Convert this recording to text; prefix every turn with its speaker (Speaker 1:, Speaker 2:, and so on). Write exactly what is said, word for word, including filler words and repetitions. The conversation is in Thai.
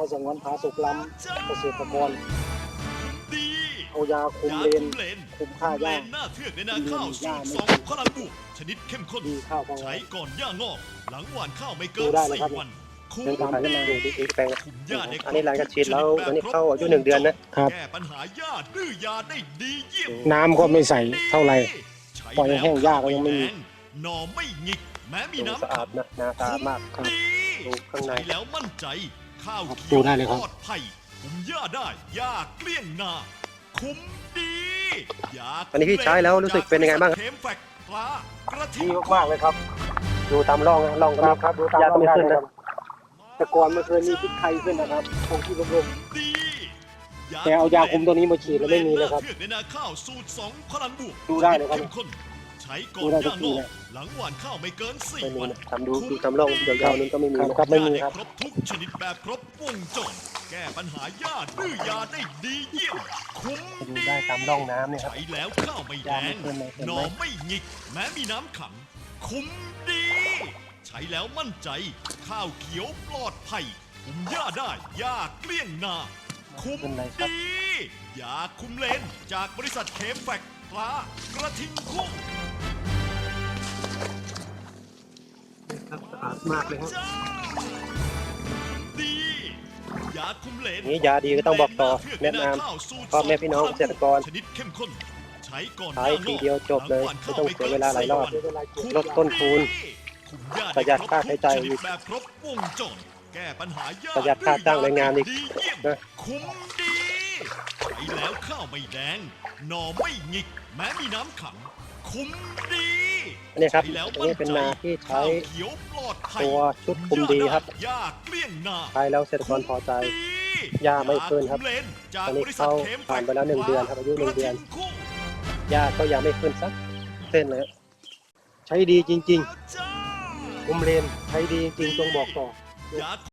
Speaker 1: สงวนผาสุกล้ำเกษตรกร
Speaker 2: ดี
Speaker 1: เอายาคุมเลนคุมค่าหญ้า
Speaker 2: หน้าเทือกในนาข้าวสูตรสองพลังบวกชนิดเข้มข้น
Speaker 1: ดีข้าวกลาง
Speaker 2: ใช้
Speaker 1: วัน
Speaker 2: ก่อนหญ้างอก หลังหว่านข้าวไม่เกิ
Speaker 1: ดู
Speaker 2: น
Speaker 1: ได้เลย
Speaker 2: สี่
Speaker 1: ครับ
Speaker 2: วันคุม
Speaker 3: เดินทางขึ้นมาดูที่อีกแปลง
Speaker 2: คุมหญ้าได้
Speaker 3: อันนี้หลังจากฉีดแล้วอันนี้เข้าอายุหนึ่งเดือนนะครับ
Speaker 2: แก้ปัญหาหญ้าดื้อยาได้ดีเยี่ยม
Speaker 1: น้ำก็ไม่ใส่เท่าไหร่
Speaker 2: ใช้
Speaker 1: ปล่อยให้แห้งหญ้าก็ยังไม่มี
Speaker 2: แดหน่อไม่หงิก แม้มี
Speaker 3: ดู
Speaker 2: น้ำ
Speaker 3: สะอาดนะนาสะอาดมาก
Speaker 2: ดี
Speaker 3: ดูข้างใน
Speaker 2: ใช้แล้วมั่นใจ ข้าว
Speaker 1: ครับ
Speaker 2: เขี
Speaker 1: ดู
Speaker 2: ยว
Speaker 1: ได้เลยครับ
Speaker 2: ปลอดภัยคุมหญ้าได้หญ้าเกลี้ยงนา คุ้มดียา
Speaker 3: อันนี้พี่ใช้แล้วรู้สึกเป็นยังไงบ้างครับ
Speaker 2: เทมแฟกปลากระ
Speaker 1: ดี
Speaker 2: ทิง
Speaker 1: มากๆเลยครับ
Speaker 3: ดูตามร่องนะร่องก็
Speaker 1: ค
Speaker 3: ไม่
Speaker 1: รับครับดูตาม
Speaker 3: ยาก็ไม่
Speaker 1: ร่อง
Speaker 3: ขึ้น
Speaker 1: ได้
Speaker 3: นะ
Speaker 1: ครับแต่ก่อนไม่เคยมีพิษไข้ขึ้นนะครับคงที่ลม
Speaker 2: ดี
Speaker 1: ๆแต่เอายาคุมตัวนี้มาฉีดแล้วไม่มีเลยครับ
Speaker 2: เทือกในนาข้าวสูตรสองพลังบวก
Speaker 1: ดูได้เลยครับ
Speaker 2: เข้มข้นใช้ก่อ
Speaker 1: ดู
Speaker 2: น
Speaker 1: ได้
Speaker 2: ห
Speaker 1: ทุ
Speaker 2: ญ้าก ง
Speaker 1: ที่
Speaker 2: อก
Speaker 1: เลย
Speaker 2: หลังหว่านข้าวไม่เกินสี่
Speaker 3: ไม่มี
Speaker 2: วัน
Speaker 3: นะทำดูดูตามร่องยาวๆนั้นก็ไม่มี
Speaker 1: ครับ
Speaker 3: นะ
Speaker 1: ครับไม่มี
Speaker 2: หญ้า
Speaker 1: ครับ
Speaker 2: ด้ครบทุกชนิดแบบครบวงจรแก้ปัญหาหญ้าดื้อยาได้ดีเยี่ยมคุ้ม
Speaker 3: ดู
Speaker 2: ดี
Speaker 3: ได้ตามร่องน้ำเนี่ยครับ
Speaker 2: ใช้แล้วข้าวไม่แด
Speaker 3: ยาไม่
Speaker 2: ง
Speaker 3: ขึ้นเลยเห็นไหม
Speaker 2: หน่อไม่หงิก แม้มีน้ำขัง คุ้มดี ใช้แล้วมั่นใจ ข้าวเขียวปลอดภัยคุมหญ้าได้หญ้าเกลี้ยงนา คุ้ม
Speaker 3: เป็นไรครับ
Speaker 2: ดียาคุมเลนจากบริษัทเคมแฟกปลากระทิงคุ้ง
Speaker 3: ครับสะอาดมากเลยครับ
Speaker 2: จ้าดียาคุมเลน
Speaker 3: นี่ยาดีก็ต้องบอกต่อแนะนำพ่อแม่พี่น้องเกษตรกร
Speaker 2: ชนิดเข้มข้นใช้ก่อน
Speaker 3: ใช้ทีเดียวจบเลยไม่ต้องเสียเวลาหลายรอบ
Speaker 2: คุ้ม
Speaker 3: ลดต้นทุน
Speaker 2: คุมหญ้า
Speaker 3: ประหยัดค่าใช้จ่าย
Speaker 2: ชนิดแบบครบวงจรแก้ปัญหาหญ้า
Speaker 3: ประหยัดค่าจ้างแรงงานอีก
Speaker 2: ดีเยี่ยม
Speaker 3: นะ
Speaker 2: คุ้มดีใช้แล้วข้าวไม่แดงหน่อไม่หงิก แม้มีน้ำขัง คุ้มดี
Speaker 3: อันนี้ครับ
Speaker 2: ใช้แล้ว
Speaker 3: อันนี้เป็นนาที่ใช้
Speaker 2: ข้าวเขียวปลอดภัย
Speaker 3: ตัวชุดคุมดีครับ
Speaker 2: หญ้าเกลี้ยงนา
Speaker 3: ใช้แล้วเกษตรกรพอใจ หญ้าไม่ขึ้นครับ ตอนนี้เข้าผ่านไปแล้วหนึ่งเดือนครับอายุหนึ่งเดือน หญ้าก็ยังไม่ขึ้นสักเส้นเลย ใช้ดีจริงๆคุมเลนใช้ดีจริงๆต้องบอกต่อ
Speaker 2: ยา